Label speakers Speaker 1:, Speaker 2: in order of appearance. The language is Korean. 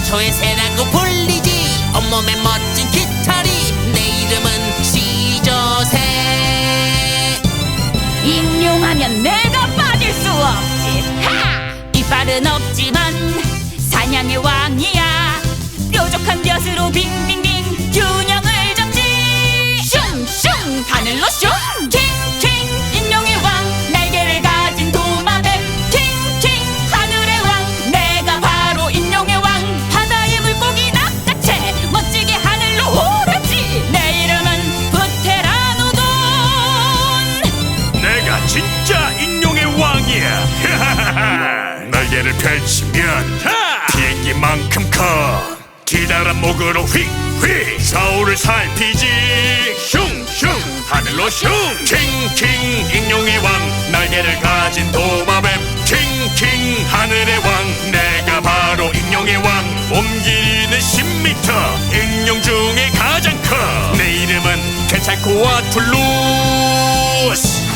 Speaker 1: 태초의 새라고 불리지. 온몸에 멋진 깃털이. 내 이름은 시조새.
Speaker 2: 인용하면 내가 빠질 수 없지. 하! 이빨은 없지만 사냥의 왕이야. 뾰족한 벼슬로 빙빙빙 균형을 잡지. 슝슝 하늘로 슝. 킹킹 인용의 왕. 날개를 가진 도마뱀. 킹킹 하늘의 왕. 내가 바로 인용의 왕. 바다의 물고기 낚아채 멋지게 하늘로 오르지. 내 이름은 부테라노돈.
Speaker 3: 내가 진짜 인용의 왕이야. 날개를 펼치면 비행기만큼 커. 기다란 목으로 휙휙 서울을 살피지. 슝슝 하늘로 슝. 킹킹 인용의 왕. 날개를 가진 도마뱀. 킹킹 하늘의 왕. 내가 바로 인용의 왕. 몸 길이는 10m. 인용 중에 가장 커. 내 이름은 케찰코아툴루스.